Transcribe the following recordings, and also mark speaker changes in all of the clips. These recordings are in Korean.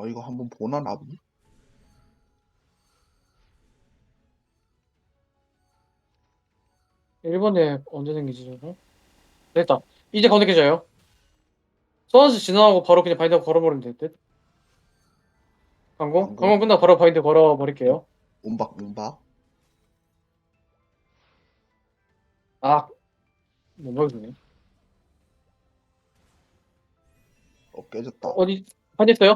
Speaker 1: 이거 한번 보나 나비?
Speaker 2: 1번에 언제 생기지 저거? 됐다. 이제 검색해줘요. 서너스 지나가고 바로 그냥 바인드 걸어버리면 될 듯. 강공?
Speaker 1: 강공?
Speaker 2: 강공 끝나고 바로 바인드 걸어버릴게요.
Speaker 1: 문박.
Speaker 2: 아, 못 먹이네.
Speaker 1: 깨졌다.
Speaker 2: 어디, 파냈어요?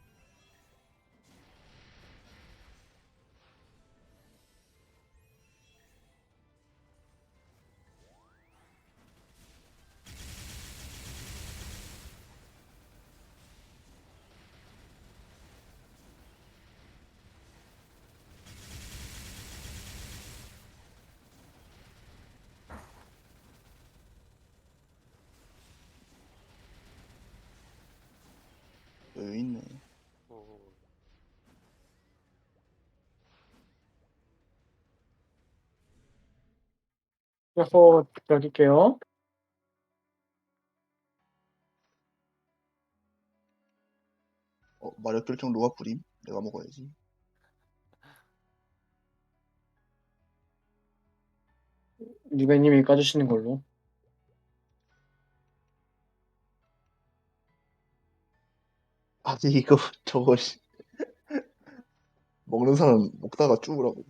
Speaker 1: 여유 있네.
Speaker 3: 오,
Speaker 2: 그래서 여길게요.
Speaker 1: 마력 결정 누가 부림? 내가 먹어야지.
Speaker 2: 리베님이 까주시는 걸로.
Speaker 1: 아니 이거 저거 먹는 사람 먹다가 죽으라고.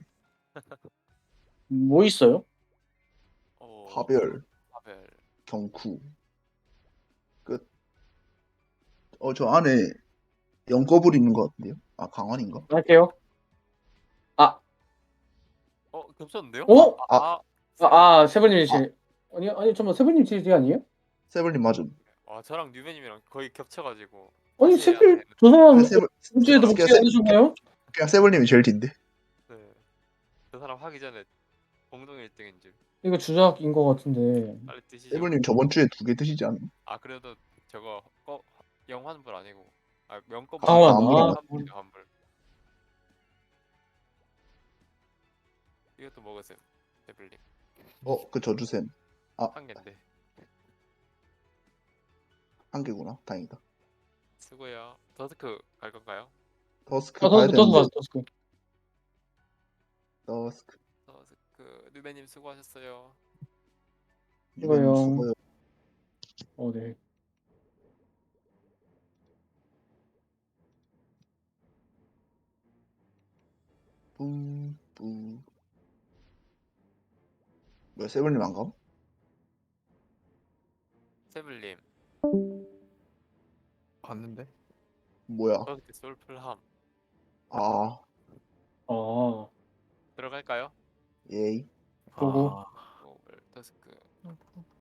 Speaker 2: 뭐 있어요?
Speaker 1: 파별,
Speaker 3: 파벨.
Speaker 1: 경쿠. 끝. 저 안에 영꺼불 있는 것 같은데요? 아 강환인가?
Speaker 2: 할게요. 아,
Speaker 3: 겹쳤는데요?
Speaker 2: 오? 세븐님이
Speaker 3: 세븐님.
Speaker 2: 제일. 아니, 잠깐만, 세븐님 제일 아니에요?
Speaker 1: 세블님 맞음.
Speaker 3: 저랑 뉴베님이랑 거의 겹쳐가지고
Speaker 2: 아니,
Speaker 3: 다시 해야
Speaker 2: 세븐,
Speaker 3: 되는데.
Speaker 2: 저 사람,
Speaker 1: 그냥
Speaker 2: 일주일에도 목소리 안 주셨나요?
Speaker 1: 세블님이 제일 딘데.
Speaker 3: 네. 그 사람 하기 전에 공동 1등인 줄.
Speaker 2: 이거 주작인 것 같은데.
Speaker 3: 빨리 뜨시죠.
Speaker 1: 세블님 저번 주에 2개 드시지 않나?
Speaker 3: 그래도 저거 영환불 아니고 명검
Speaker 2: 강환,
Speaker 3: 환불. 환불. 이것도 먹으세요. 데블링
Speaker 1: 그 저주셈.
Speaker 3: 한 개인데.
Speaker 1: 한 개구나. 다행이다.
Speaker 3: 수고요. 더스크 갈 건가요?
Speaker 1: 더스크 가야
Speaker 2: 더스크,
Speaker 1: 되는데.
Speaker 2: 더스크.
Speaker 1: 더스크.
Speaker 3: 더스크 뉴베님 수고하셨어요.
Speaker 1: 유배님
Speaker 2: 수고요.
Speaker 1: 수고요.
Speaker 2: 네.
Speaker 1: 뿌뿌. 왜 세블님 안 가?
Speaker 3: 세블님
Speaker 4: 갔는데?
Speaker 1: 뭐야?
Speaker 3: 더스크 솔플함
Speaker 1: 아,
Speaker 2: 아,
Speaker 3: 들어갈까요?
Speaker 1: 예이.
Speaker 2: 보고.
Speaker 4: 아,